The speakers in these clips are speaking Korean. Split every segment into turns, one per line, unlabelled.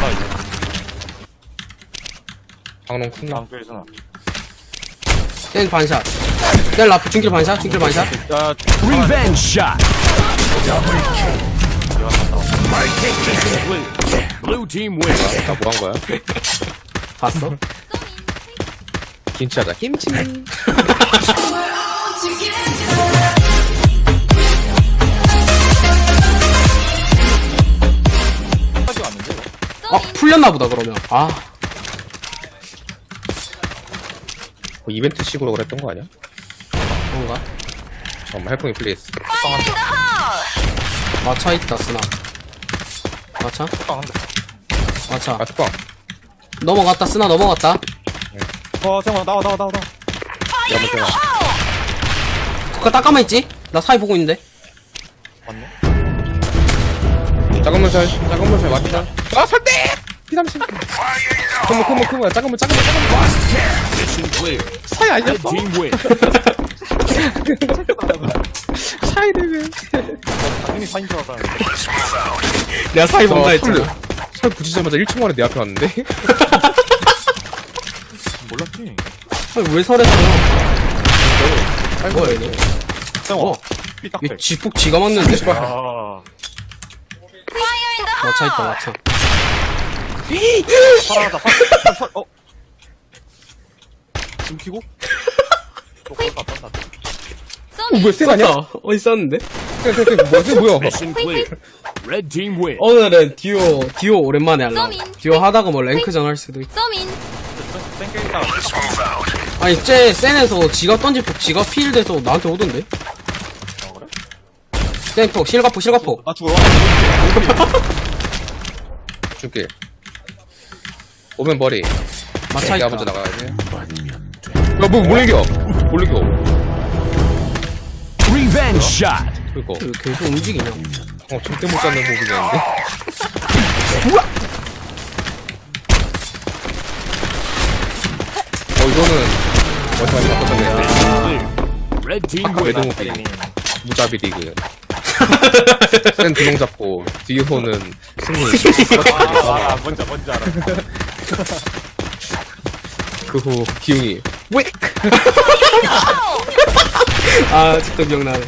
몰라 이제.
방롱 쿤나.
방패에서나.
센 반샷. 센 라프 중길 반샷. 중길 반샷.
야,
Revenge shot. Blue team win.
나 뭐 한 거야?
봤어?
김치 하자. 김치.
까지 왔는데.
풀렸나보다 그러면. 아
뭐 이벤트식으로 그랬던 거 아니야?
그런가?
잠깐만 해풍이 플레이스.
마차 있다 쓰나. 마차?
빵한다.
마차.
아 뚜껑.
넘어갔다 쓰나 넘어갔다.
잠깐만 나와.
야뭐 떼나.
그거 딱 가만있지? 나 사이 보고 있는데.
맞네.
작은 물살 맞다. 아 설대. 피삼십. 크모 작은 물.
Mission clear.
사이
Red
아니었어?
team win.
사이를
당연히 사인 줄 알았다.
내가 사이 본다 했잖아.
살 붙이자마자 1초 만에 내 앞에 왔는데?
몰랐지.
아니, 왜 설했어요? 뭐야 얘네?
어. 삐딱대.
얘 지폭 지가 맞는데?
아.
마차 있다 마차.
살아나다. 좀 키고? 또 거기 갔다.
뭐야 쌩 아니야?
어디 있었는데?
쌩 뭐야?
Mission clear. Red team win.
오늘은 듀오 오랜만에 할라. 듀오 하다가 뭐 랭크전 할 수도 있고.
쌩게 있다.
아니 쟤 센에서 지가 던지고 지가 필드에서 나한테 오던데?
그래?
센폭 실가폭.
나 죽어.
줄게. 오면 머리.
마차
내가
있다.
먼저 나가야지. 야뭐 몰리겨.
Revenge shot.
그거.
왜 계속 움직이냐?
절대 못 잡는 모습이었는데. 이거는 어디서 바꿨었네.
Mission clear. Red team
아까
win.
외동무비 무자비 리그. 센 두명 잡고 뒤호는 승리.
뭔지 알아.
그 후 기웅이
아 진짜 기억나네.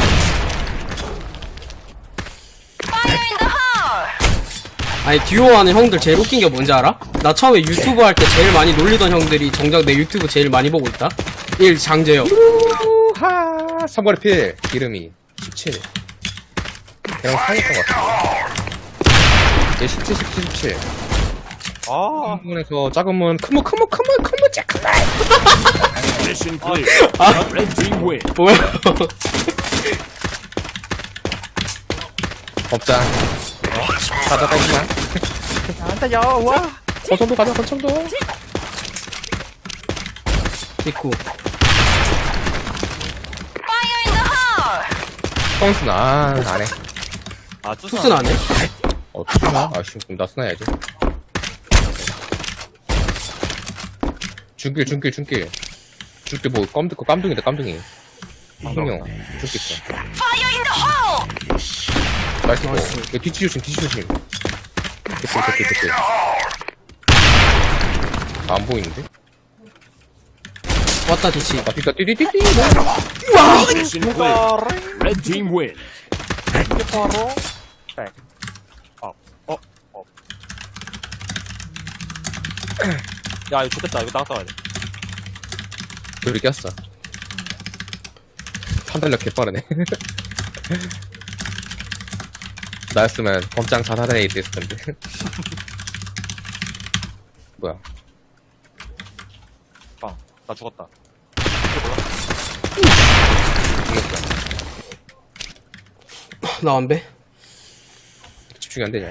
아니 듀오 하는 형들 제일 웃긴 게 뭔지 알아? 나 처음에 유튜브 할 때 제일 많이 놀리던 형들이 정작 내 유튜브 제일 많이 보고 있다. 1. 장재혁.
하 삼거리 필 이름이 17. 걔랑 사귀었던 것 같아. 얘 17, 17.
아.
한문에서 작은 문 큰문 잭.
Mission clear. Red team win.
뭐야?
법장. 가져가 있나?
나한테 여와.
권총도 가자 권총도.
있고.
펑스나 안해.
아,
투스는 안 해?
투스나? 아씨 그럼 나 스나야지. 중길 뭐 깜둥이다 깜둥이. 흥룡 중길 있어. 나이스. 야, 뒤치 조심. 됐지. 안 보이는데?
왔다 뒤치.
아, 뒤다, 띠디디디.
Mission clear. Red team win.
이게 바로 백. 야, 이거 좋겠다. 이거 나갔다 와야 돼.
둘이 꼈어. 판단력 개빠르네. 나였으면 범장 자살에 있을 텐데. 뭐야?
빵. 나 죽었다.
죽였어.
나 안 배?
집중이 안 되냐?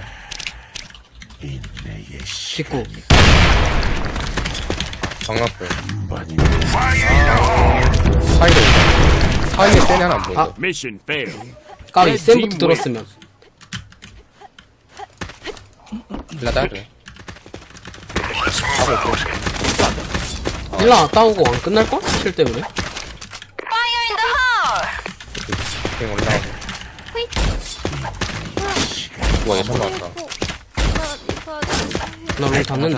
있고.
방라풀. 사이로. 사이에 센 하나 안 보이고.
아.
Mission failed.
까비 센부터 들었으면.
일라 돼.
일라 따오고 안 끝날걸? 킬 때문에.
그냥 올라오고. 우와, 얘 처음 나왔다.
나 롱 닫는다.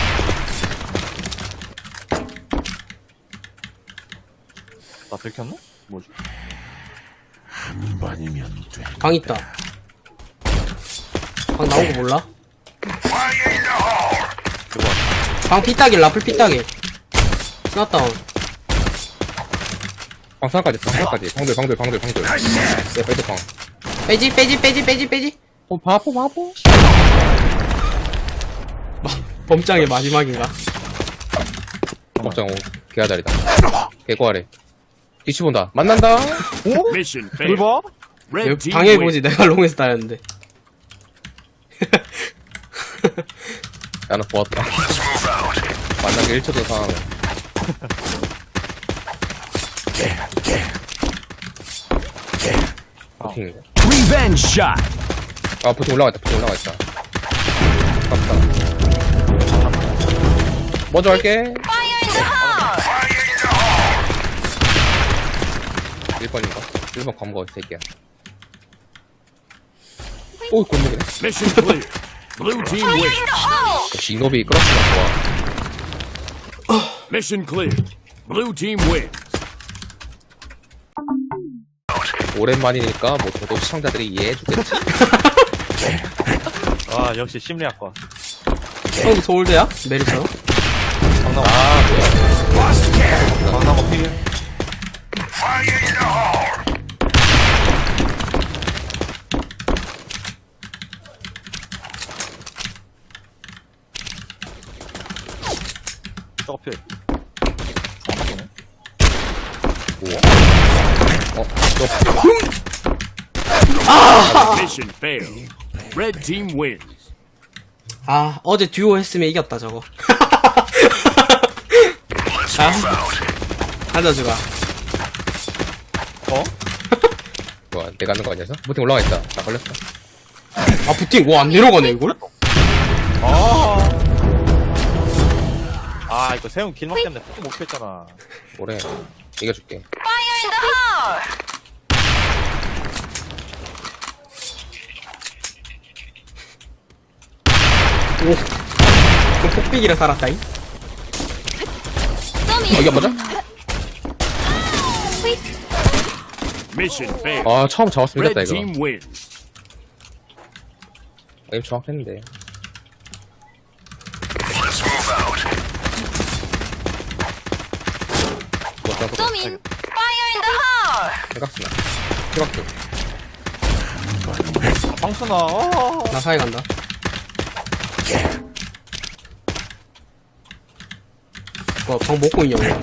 나 들켰나? 뭐지?
방 있다. 방 나온 거 몰라? 방 피따길, 라플 피따길. 스나다운.
방사까지 방들 네 배드방
빼지.
바보
범장의 마지막인가?
걱정 개아다리다 개고아래 뒤치 본다 만난다 오?
Mission
뭘
failed.
봐?
Red team
방해해보지,
wins.
내가 롱에서 따였는데.
나는 보았다 만나기 1초 전 상황을 버팅이네
Revenge shot.
아 버팅 올라가 있다 갑다 먼저 할게 1번인가? 1번 검거 이 새끼야 오 골목이네
Mission clear. Blue team wins.
역시 이노비 끌었으면 좋아
Mission clear. Blue team wins.
오랜만이니까 뭐 저도 시청자들이 이해해주겠지
아, 역시 심리학과.
형도 서울대야? 메리처럼?
강남. 아, 뭐야. 강남 어필. 저거 필.
Mission failed. Red team wins.
아, 어제 듀오 했으면 이겼다, 저거. 하자, 주가.
어? 뭐야 내가 하는 거 아니었어? 버팅 올라가 있다 나 걸렸어
아, 부팅, 와, 안 내려가네, 이걸?
아, 이거 세운 길막 때문에 포기 못 했잖아.
뭐래 이겨줄게
오. 그럼 폭빅이라 살았다잉?
이겨보자
Mission failed.
아 처음 잡았으면 이겼다
Red
이거
team wins.
게임 정확했는데 해각스나 해각스
방순아,
나 사이 간다. 뭐, 방 먹고 있냐, 왜?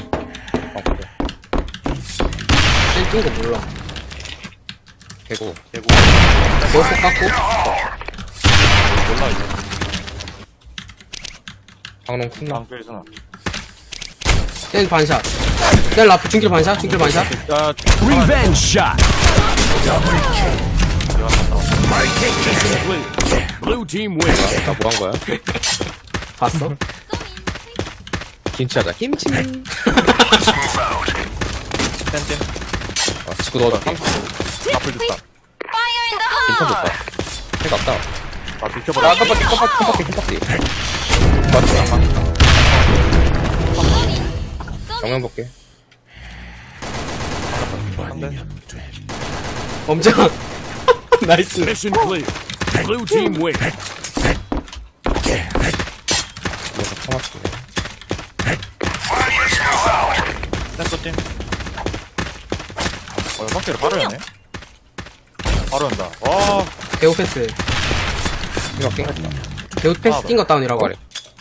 센 거 몰라.
개고
개구.
너프 깎고?
몰라, 이제.
방농 쿤나
방쪽에서나.
센 반샷. 센 라프, 중길 반샷, 중길 반샷.
야,
Revenge shot.
내가 갔다 와.
Mission clear. Blue team wins.
나 뭐 한 거야?
봤어?
김치하자 김치
센
아 지구 넣어줄게
앞을 줬다.
김치 줬다 해가 없다
아, 비켜버려.
깜빡이 맞지? 정면 볼게
범장. 나이스.
Mission clear. Blue team wins.
이거 참았네
센터팀. 확실히 바로 연네. 바로 연다. 와,
개우 패스.
이거 깽했다
개우 패스 뛴 거 다운이라고.
고아래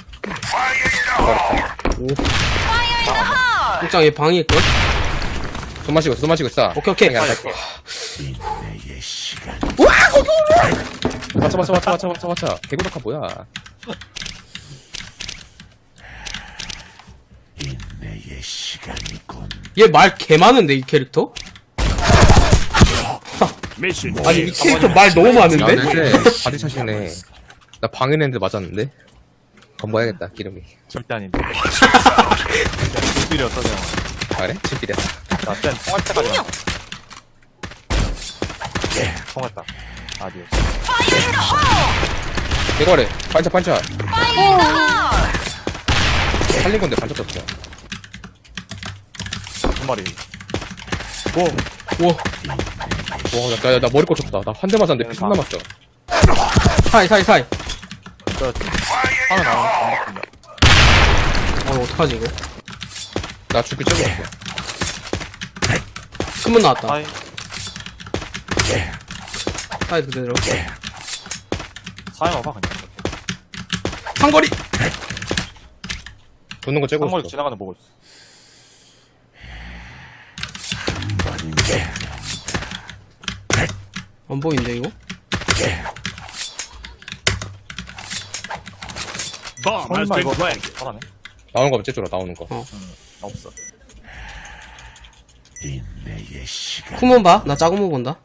오. 일장 얘 방일걸?
손 마시고 있어
오케이.
그냥 갈게 맞춰 개구덕화 뭐야
얘 말 개 많은데, 이 캐릭터?
Mission
아니, 이
failed.
캐릭터 말 너무
야
많은데?
근데 바디샷이네 나 방해냈는데 맞았는데 검거해야겠다 기름이
절대 아닌데. 불필이 어떠냐.
아, 그래? 집길이야
나 센, 통할 때까지 간다. 통했다. 아디오스.
대거래. 반차. 살린 건데 반차 떴어.
한 마리.
우와.
나 머리 꽂혔다. 나 한 대 맞았는데 피 남았어.
사이.
저, 하나 나와, 안 바꾼다.
어떡하지, 이거?
나 죽기 째고 왔어.
큰문 나왔다.
사이,
사이 그대로.
사이 와봐, 그냥.
상거리!
도는 거 째고
상거리
있어.
지나가는 거 보고 있어.
안 보이는데, 이거?
Bomb has
설마
been
이거
planted.
잘하네.
나오는 거 째줘라, 나오는 거.
없어.
큰문 봐. 나 작은 문 본다.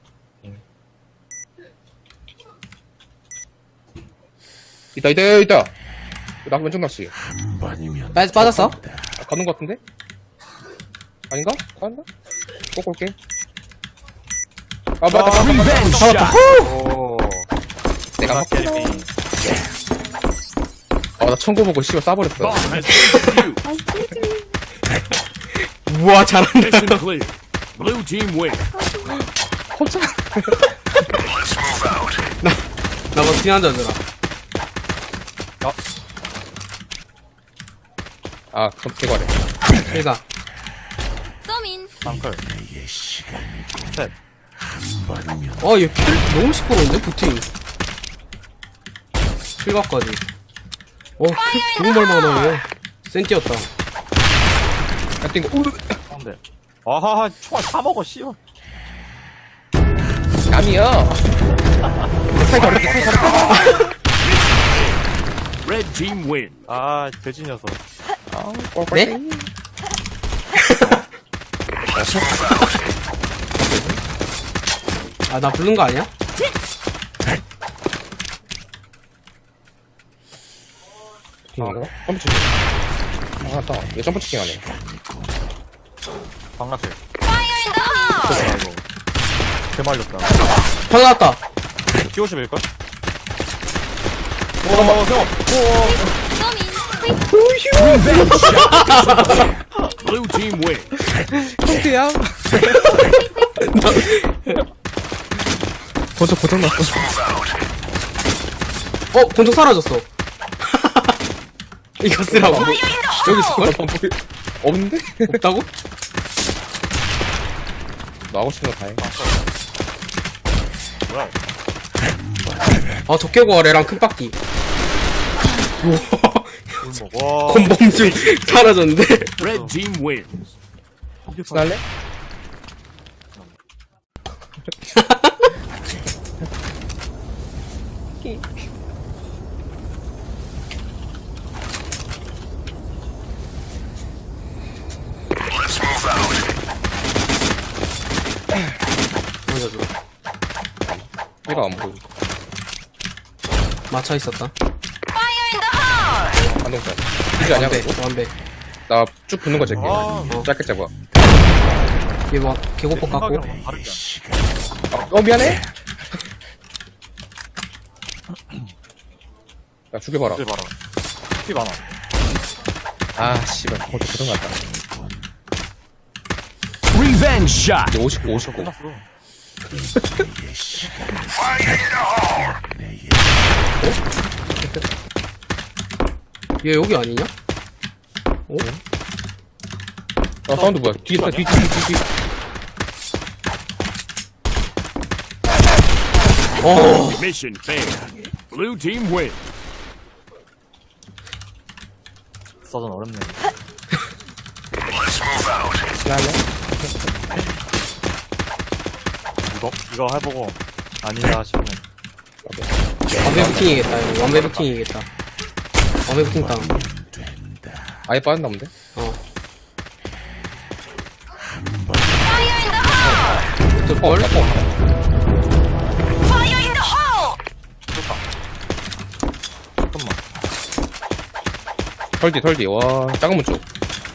있다. 나 왼쪽 낚시.
빠졌어?
가는 거 같은데? 아닌가? 가는가? 꼭 올게. 맞다.
Revenge shot.
오.
내가 막.
게임이.
나 청구 보고 씨발 싸버렸어.
Bomb has been defused.
우와, 잘한다.
Mission clear. Blue team win.
나 버티 한잔 주라.
그럼 대거래.
그니까.
쌍클. 셋.
얘 킬 너무 시끄러운데, 부팅. 실각까지. 킬 너무 많이 나네. 센티였다.
하여튼 이거,
상대. 아하하, 총알 다 먹어, 씨발.
남이야. 사이 다르게.
Red team win.
아, 돼지 녀석.
네? 나 부른 거 아니야?
이거? 점프치기. 맞다. 얘 점프치기 하네.
방라클. 이거. 개말렸다.
방 나왔다.
P50일걸?
Blue team win.
야 벌써 고장났어.
권총 사라졌어. 이거 쓰라고. 여기 있을걸?
없는데?
없다고?
너 하고 싶은 거 다 해.
뭐야?
적개고아래랑 큰 바퀴.
굴먹. 와.
건범중 사라졌는데?
Red team wins.
날래?
먼저 줘.
얘가 안 보여.
맞춰 있었다.
반동차. 이지 아니야,
완배,
그거?
완배.
나 쭉 붙는 거 제게.
아,
짧게 잡아.
얘 막, 개고폭 깎고.
생각이랑 다르지 않아.
미안해. 야, 죽여봐라.
이제 봐라. 피 많아.
씨발. 거기 고장 났다.
Revenge shot.
59.
끝났어.
얘 여기 아니냐?
사운드 뭐야? 뒤에 있다, 뒤.
Mission failed. Blue team win.
써전 어렵네.
날래?
이거 해보고 아니다 싶으면
완배 부팅이겠다, 이거. 완배 부팅이겠다. 완배 부팅 다운.
아예 빠졌나 본데?
어떨걸?
잠깐만.
털디. 와, 작은 문 쪽.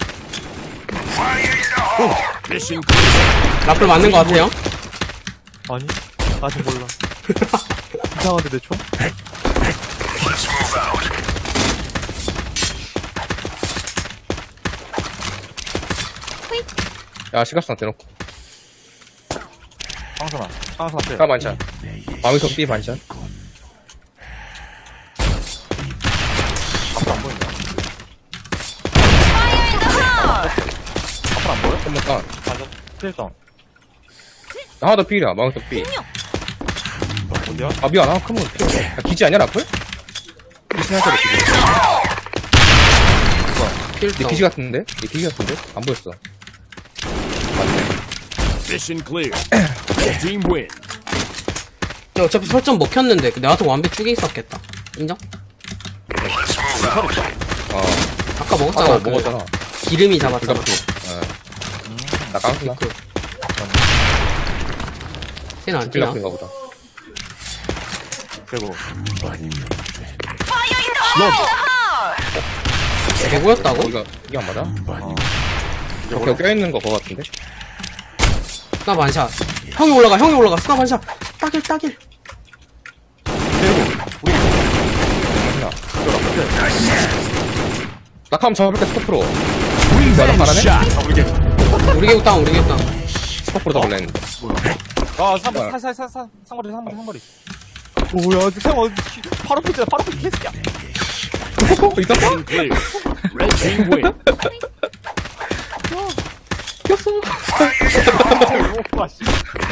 Mission clear.
라플 맞는 거 같아요?
아니 아직 몰라. 이상한데 내 총?
야, 시각상 대놓고.
상선아. 상선 앞에.
까 반찬. 방위석 B 반찬.
앞으로 안 보인다. 앞으로 안 보여?
한번 까.
반전. 필성.
하나 더 B야, 방위석 B.
어디야?
아, 미안, 하나 큰문 필요. 야, 기지 아니야, 라플? 기지 생각해도 기지. 내
필성.
기지 같은데? 내 기지 같은데? 안 보였어. 맞네.
Mission clear. Red team win.
야, 어차피 설정 먹혔는데 내 같은 완벽 쭉에 있었겠다. 인정?
어,
아까 먹었잖아.
아까
그
먹었잖아.
기름이 잡았잖아.
불가피. 나 깡스나?
그. 쟤는 안 뛰나?
필라프인가 보다.
그리고.
개구였다고?
이게 안 맞아? 저거 껴있는 거 그거 같은데?
스나 반샷. 형이 올라가. 스나 반샷. 따길.
맞나? 낙하면 잡을게, 스코프로.
Revenge
잘하네?
shot.
우리 개구 땅.
스코프로 잡을래 했는데.
아, 상거리. 뭐야, 생 어디, 바로 피자, 바로 피자, 개새끼야.
있었어?
Mission clear. Red team win.
와, 씨.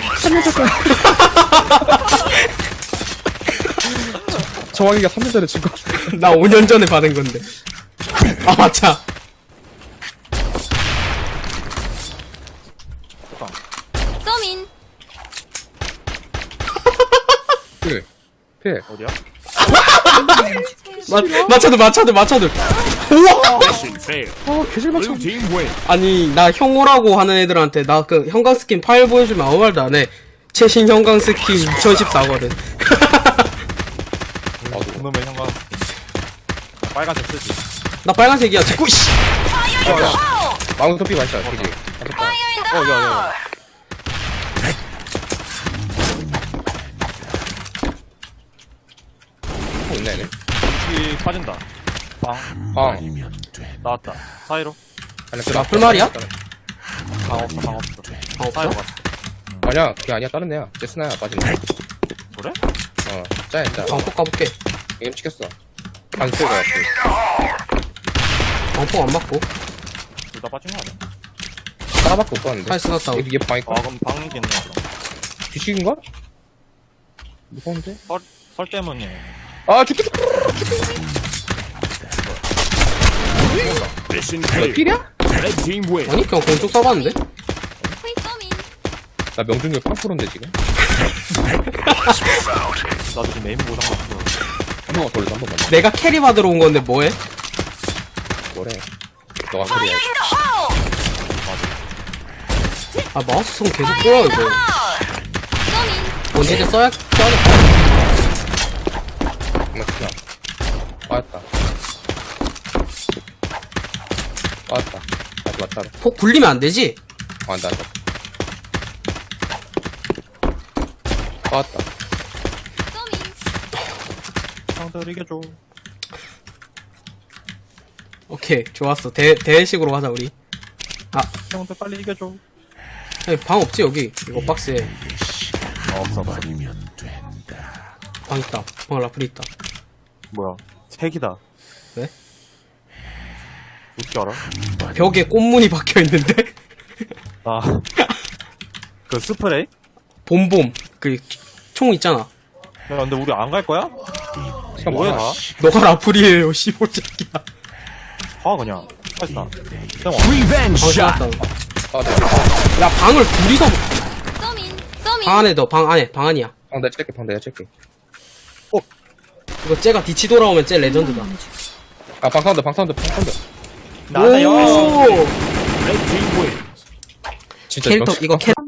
정확이가 3년 전에 준 거.
나 5년 전에 받은 건데. 아, 맞아.
서민
필.
어디야?
맞춰들. 우와!
Mission failed.
개질 맞춰.
Blue team win.
아니, 나 형오라고 하는 애들한테 나 그 형광 스킨 파일 보여주면 아무 말도 안 해. 최신 형광 스킨 2014거든.
그놈의 형광. 빨간색 쓰지.
나 빨간색이야. 자꾸, 씨!
마운트 B 반샷, 그지?
야.
있네, 얘네.
이 빠진다. 빵. 나왔다. 사이로.
나 풀말이야?
방 없어.
아,
사이로
없어?
갔어.
아니야, 그게 아니야, 다른 애야. 제스나야, 빠진 애.
그래?
짜야.
방폭 가볼게.
게임 찍혔어. 안 쓰고 같아.
방폭 안 맞고.
둘 다 빠진 거 아니야?
하나밖에 못 봤는데.
팔 쓰놨다고.
얘 방이까?
아, 그럼 방이겠네.
뒤치기인가? 무서운데?
설 때문에.
아, 죽겠다!
Mission clear.
필이야?
Red team win.
아니, 그냥 공쪽 써봤는데?
서민
나 명중률 8%인데, 지금?
나도 지금 에임 고장 났어.
한 번만 돌려서 한 번만.
내가 캐리 받으러 온 건데 뭐해?
뭐래? 너가 그래야지.
아, 마우스 손 계속 꼬여, 이거.
서민
언제 써야겠다.
맞구나. 맞다. 다시 맞다.
폭 굴리면 안 되지?
안 돼. 맞다.
서민
형들 이겨줘.
오케이, 좋았어. 대회식으로 가자, 우리.
형들 빨리 이겨줘.
아니, 방 없지, 여기? 이거 박스에.
없어.
방 있다. 방 라플 있다.
뭐야? 색이다.
왜?
어떻게 알아?
벽에 꽃무늬 박혀 있는데?
아. 그 스프레이?
봄봄. 그, 총 있잖아.
야, 근데 우리 안 갈 거야?
시간
뭐해,
많아.
다?
너가 라플이에요, 씨볼새끼야.
가, 그냥. 빠지다. 형,
Revenge
방
shot.
쏘았다. 야, 방을 둘이서,
서민
방 안에 넣어, 방 안에, 방 안이야.
내가 찰게.
이거 쟤가 뒤치 돌아오면 쟤 레전드다.
아, 방사운드.
나다, 요!
오!
Red team win.
진짜
캐릭터, 이거 캐릭터.